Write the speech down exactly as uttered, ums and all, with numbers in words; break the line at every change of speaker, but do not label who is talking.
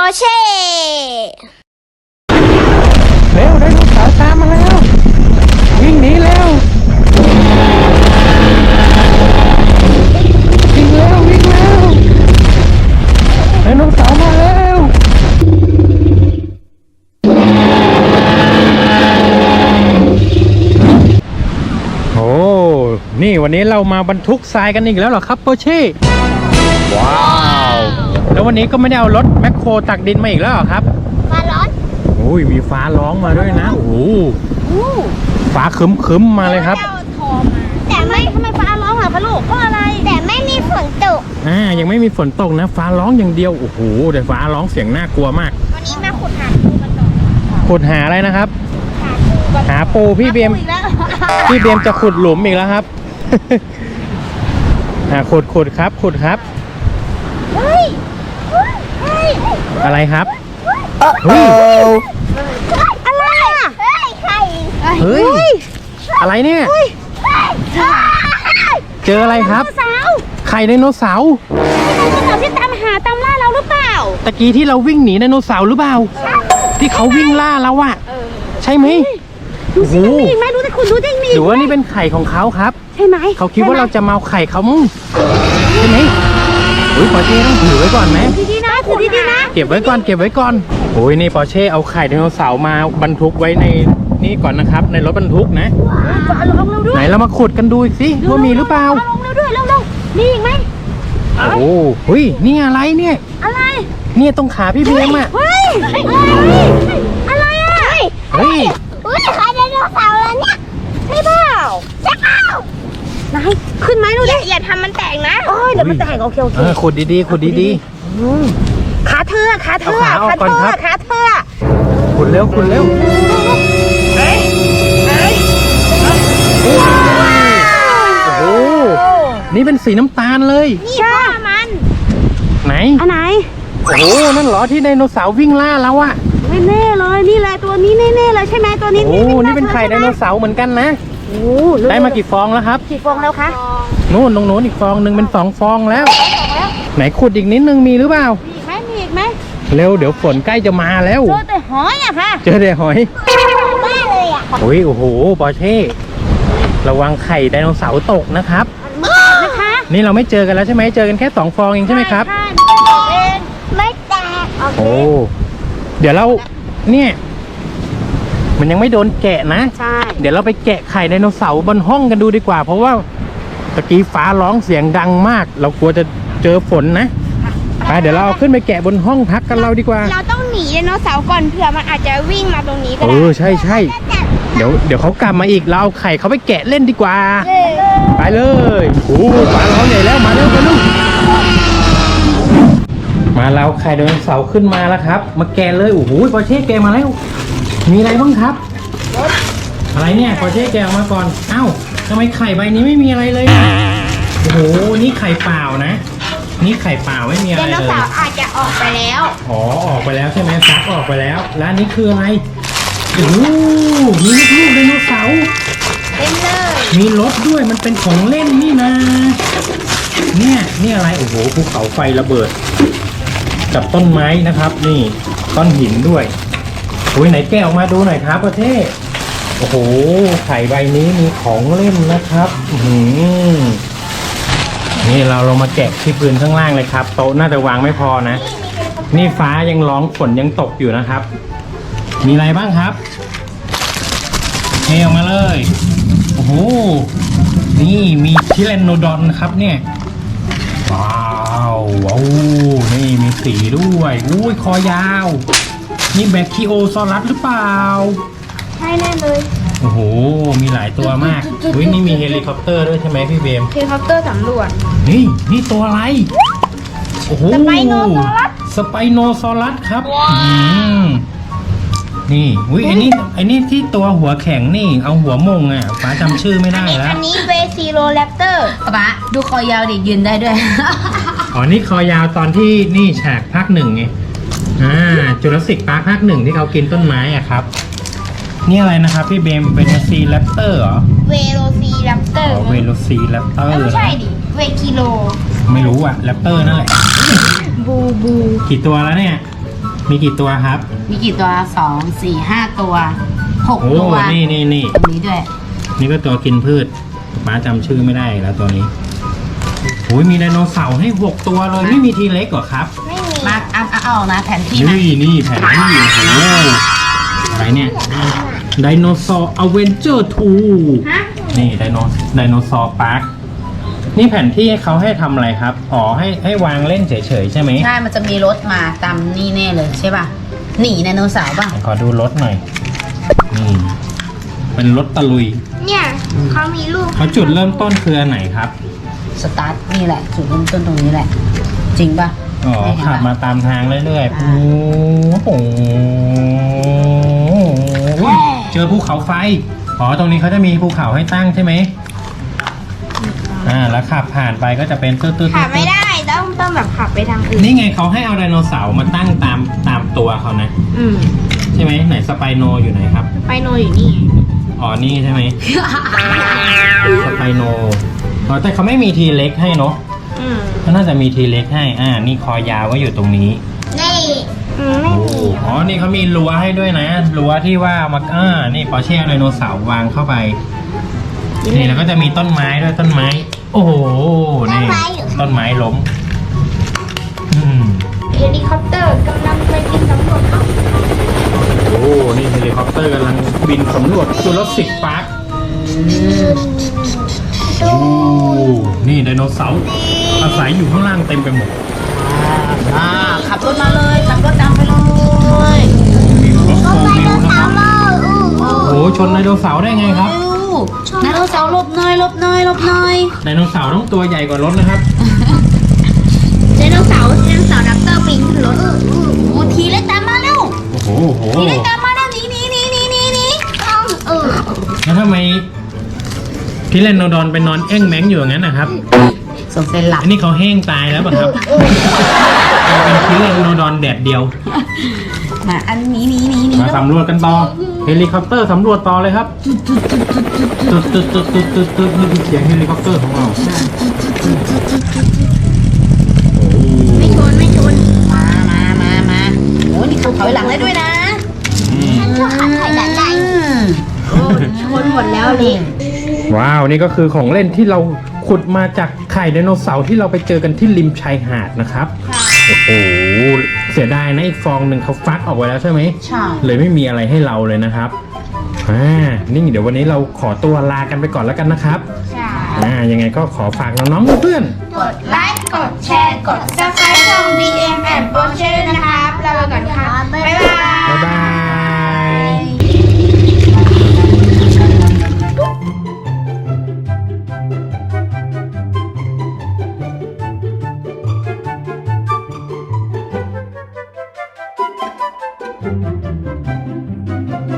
เช่
เร็วไดโนเสาร์ตามมาแล้ววิ่งหนีแล้ววิ่งแล้ววิ่งแล้วไดโนเสาร์มาแล้วโอ้นี่วันนี้เรามาบรรทุกทรายกันอีกแล้วเหรอครับโปเช่ว้าวแล้ววันนี้ก็ไม่ได้เอารถแมคโครตักดินมาอีกแล้วเหรอครับ
ฟ้าร้อน
โอ้ยมีฟ้าร้องมาด้วยนะโอ้โหฟ้าคึ้มคึ้มมาเลยครับ
แต่ไม่ทำไมฟ้าร้องเหรอคะลูกเพราะอะไรแต่ไม่มีฝนตก
อ่ายังไม่มีฝนตกนะฟ้าร้องอย่างเดียวโอ้โหแต่ฟ้าร้องเสียงน่ากลัวมาก
วันนี้มาขุดหาปูกันก่อน
ขุดหาอะไรนะครับหาปูพี่เบียมพี่เบียมจะขุดหลุมอีกแล้วครับอ่าขุดขุดครับขุดครับ
เฮ้ยเฮ้ย
อะไรครับ
เฮ้ยอะไรอ่ะเฮ้ยไข่
เฮ้ยอะไรเนี่ยเจออะไรครับไข่ไดโนเสาร์
ไดโนเสาร์ที่ตามหาตามล่าเราหรือเปล่า
ตะกี้ที่เราวิ่งหนีไดโนเสาร์หรือเปล่าที่เขาวิ่งล่าเราอะใช่ไหม
ดูสิมีอีกไหมดูสิคุณดูสิมี
หรือว่านี่เป็นไข่ของเขาครับ
ใช่ไหม
เขาคิดว่าเราจะมาเอาไข่เขามั้งใช่ไหมโอ้ยปอเช่ต้องถือไว้ก่อนไหม
ดีๆนะถือดีๆนะ
เก็บไว้ก่อนเก็บไว้ก่อนโอ้ยนี่ปอเช่เอาไข่ไดโนเสาร์มาบรรทุกไว้ในนี่ก่อนนะครับในรถบรรทุกนะ
ฟ้าร้องเราด้วย
ไหนเรามาขุดกันดูอีกสิว่ามีหรือเปล่า
ฟ้าร้องเราด้วยเร็วๆมีอีกไหม
โอ้เฮ้ยนี่อะไรเนี่ย
อะไร
เนี่ยตรงขาพี่เบียมอ่ะ
เฮ้ยอะไรอ่ะ
เฮ้ย
อุ้ยไข่ไดโนเสาร์แล้วเนี่ยใช่เปล่าใช่เปล่าไหนขึ้นไหมดูดิอย่าทำมันแตกนะโอ้ยเดี๋ยวมันแตกโอเคโอเค
ขุดดีๆขุดดี
ๆขาเธอขาเธอขาเธอขาเธอ
ขุดเร็วขุดเร็ว
เฮ้ยเฮ้ย
โอ้โหนี่เป็นสีน้ำตาลเลย
ใช่มัน
ไหน
อันไหน
โอ้โหนั่นเหรอที่ไดโนเสาร์วิ่งล่าเราอะ
ไม่แน่เลยนี่แหละตัวนี้แน่ๆเลยใช่ไหมตัวนี้
โอ้นี่เป็นไข่ไดโนเสาร์เหมือนกันนะ
โอ้
ได้มากี่ฟองแล้วครับ
กี่ฟองแล้วคะ
นู่นตรงโน้นอีกฟองหนึ่งเป็นสองฟองแล้วไหนขุดอีกนิดนึงมีหรือเปล่า
มีไหมมีอีกไหม
เร็วเดี๋ยวฝนใกล้จะมาแล้ว
เจอแต่หอยอะค่ะ
เจอแต่หอย
บ้าเลยอะ
โอ้ยโอ้โหปอเช่ระวังไข่ไดโนเสาร์ตกนะครับ
นะคะ
นี่เราไม่เจอกันแล้วใช่ไหมเจอกันแค่สองฟองเองใช่ไหมครับ
ไม่แตก
โอ้เดี๋ยวเราเนี่ยมันยังไม่โดนแกะนะ
ใช่
เดี๋ยวเราไปแกะไข่ไดโนเสาร์บนห้องกันดูดีกว่าเพราะว่าตะกี้ฟ้าร้องเสียงดังมากเรากลัวจะเจอฝนนะไปเดี๋ยวเราเอาขึ้นไปแกะบนห้องพักกันเราดีกว่า
เราต้องหนีไดโนเสาร์ก่อนเผื่อมันอาจจะวิ่งมาตรงนี้ก็ได้
เออใช่ใช่เดี๋ยวเดี๋ยวเขากลับมาอีกเราเอาไข่เขาไปแกะเล่นดีกว่าไปเลยโอ้ฟ้าร้องใหญ่แล้วมาเร็วมาเร็วมาแล้วไข่ไดโนเสาร์ขึ้นมาแล้วครับมาแกะเลยโอ้โหปอเช่แกะมาแล้วมีอะไรบ้างครับอะไรเนี่ยปอเช่แกะออกมาก่อนเอ้าทำไมไข่ใบนี้ไม่มีอะไรเลยโอ้โหนี่ไข่เปล่านะนี่ไข่เปล่าไม่มีอะไรเลยไดโน
เสาร์อาจจะออกไปแล้ว
อ๋อออกไปแล้วใช่ไหมฟักออกไปแล้วแล้วนี่คืออะไรโอ้โหมีลูกไดโนเสาร์
เต็มเลย
มีรถด้วยมันเป็นของเล่นนี่นะเนี่ยนี่อะไรโอ้โหภูเขาไฟระเบิดกับต้นไม้นะครับนี่ก้อนหินด้วยโอ้ยไหนแกะออกมาดูหน่อยครับประเทศโอ้โหไข่ใบนี้มีของเล่นนะครับอืมนี่เราลงมาแกะที่พื้นข้างล่างเลยครับโต๊ะน่าจะวางไม่พอนะนี่ฟ้ายังร้องฝนยังตกอยู่นะครับมีอะไรบ้างครับเทออกมาเลยโอ้โหนี่มีทิแรนโนดอนครับเนี่ยว้าวว้าวนี่มีสีด้วยอุ้ยคอยาวนี่แบคทีโอซอรัสหรือเปล่า
ใช่แน่เลย
โอ้โหมีหลายตัวมากอุ้ยนี่มีเฮลิคอปเตอร์ด้วยใช่ไหมพี่เบม
เฮลิคอปเตอร์สำรวจ
นี่นี่ตัวอะไรโอ้โห
สไปโนซอรัส
สไปโนซอรัสครับนี่อุ้ยไอ้นี่ไอ้นี่ที่ตัวหัวแข็งนี่เอาหัวมงอ่ะป้าจำชื่อไม่ได้แล้ว
อันนี้เวซิโรแรปเตอร์
ป้าดูคอยาวดิยืนได้ด้วย
อ๋อนี่คอยาวตอนที่นี่ฉากภาคหนึ่งไงอ่าจูราสสิกพาร์คภาคหนึ่งที่เขากินต้นไม้อ่ะครับนี่อะไรนะครับพี่เบมเป็นซีแรปเตอร์เหรอ
เวโรซีแรปเตอร์
เวโรซีแรปเตอร์
ไม่ใช่ดิเวกิโล
ไม่รู้อ่ะแรปเตอร์นั่นแหละ
บูบู
กี่ตัวแล้วเนี่ยมีกี่ตัวครับ
มีกี่ตัวสองสี่ห้าตัวหก
โอ้
ตัว
นี่นี่นี่
ตรงนี้ด้วย
นี่ก็ตัวกินพืชป้าจำชื่อไม่ได้แล้วตัวนี้โอ้ยมีไดโนเสาร์ให้หกตัวเลยไม่มีทีเล็กเหรอครับ
ไม่มี
มาเอาเอาเอานะแผนที่นะ
นี่นี่แผนที่โอ้โหอะไรเนี่ยไดโนเสาร์อเวนเจอร์ทู
ฮะ
นี่ไดโนไดโนเสาร์พาร์คนี่แผนที่เขาให้ทำอะไรครับอ๋อให้ให้วางเล่นเฉยๆใช่ไหม
ใช่มันจะมีรถมาตามนี่แน่เลยใช่ป่ะหนีไดโนเสาร์ป่ะ
ขอดูรถหน่อยนี่เป็นรถตะลุย
เนี่ยเขามีลูก
เขาจุดเริ่มต้นคืออันไหนครับ
สตาร์ทนี่แหละจุดเริ่มต้นตรงนี้แหละ จริงป่ะ
อ๋อ
ใช่เห็นปะ
ขับมาตามทางเรื่อยๆ
อ่า
โอ้โหอุ๊ยเจอภูเขาไฟอ๋อตรงนี้เขาจะมีภูเขาให้ตั้งใช่ไหมอ่าแล้วขับผ่านไปก็จะเป็นตื้อๆๆ
ขับไม่ได้ต้องต้องแบบขับไปทางอื่น
นี่ไงเขาให้เอาไดโนเสาร์มาตั้งตามตามตัวเขานะ
อืม
ใช่ไหมไหนสไปโนอยู่ไหนครับ
ไปโนอยู่นี่
อ๋อนี่ใช่ไหม สไปโนอ๋อแต่เขาไม่มีทีเล็กให้เนาะ
อืม
เขาน่าจะมีทีเล็กให้อ่านี่คอยาวก็อยู่ตรงนี้
นี่อืมไม่
โอ้
มี
อ๋อนี่เขามีรั้วให้ด้วยนะรั้วที่ว่ามาอ่านี่พอแช่ไดโนเสาร์วางเข้าไปนี่แล้วก็จะมีต้นไม้ด้วยต้นไม้ โอ้โหนี่ต้นไม้ล้มอืม
เฮลิคอปเตอร์กำลังไปบินสำรวจเขา
โอ้นี่เฮลิคอปเตอร์กำลังบินสำรวจจูราสสิกพาร์ค โอ้นี่ไดโนเสาร์อาศัยอยู่ข้างล่างเต็มไปหมด
อ่าขับรถมาเลยขับรถตามไปเลย
มีรถโฟ
ไป
วิ
โด
วน นะครับ
สาวเลยอู้อู้
โอ้ชนไดโนเสาร์ได้ไงครับ
เร็วไดโนเสาร์หลบหน่อยหลบหน่อยหลบหน่อย
ไดโนเสาร์ต้องตัวใหญ่กว่ารถนะครับ
ไดโนเสาร์ไดโนเสาร์ดับเตอร์บินรถ
โอ้ทีเล็กตามมาเร็ว
โอ้โหโอ้โห
ทีเล็กตามมาเร็วหนีหนีหนีหนีหนีหนี
ต้องเออ
แล้วทำไมพิเรนโนดอนไปนอนแอ้งแม้งอยู่อย่างนั้นนะครับ
สงสัยหลับ
อันนี้เขาแห้งตายแล้วป่ะครับเป็นพิเรนโนดอนแดดเดียว
มาอันนี้หนีหนีหนี
มาสำรวจกันต่อเฮลิคอปเตอร์สำรวจต่อเลยครับตึ๊ดตึ๊ดตึ๊ดตึ๊ดตึ๊ดตึ๊ดนี่คือเสียงเฮลิคอปเตอร์ของเราโอ้
ไม่ชนไม่ชน
มามามามาโอ้นี่เขาถอยหลังได้ด้วยนะ
อืม
ชอบขับไข่ดันได้
อืม
โอ้ชนหมดแล้วเลย
ว้าวนี่ก็คือของเล่นที่เราขุดมาจากไข่ไดโนเสาร์ที่เราไปเจอกันที่ริมชายหาดนะครับโอ้โหเสียดายนะอีกฟองหนึ่งเขาฟักออกไว้แล้วใช่ไหม
ใช่
เลยไม่มีอะไรให้เราเลยนะครับอ่านี่เดี๋ยววันนี้เราขอตัวลากันไปก่อนแล้วกันนะครับ
ใช่
อ่ายังไงก็ขอฝากน้องๆเพื่อน
กดไลค์ กดแชร์ กด ซับสไครต์ช่อง บี เอ็ม แอนด์ Porsche นะครับ เราไปก่อนค่ะ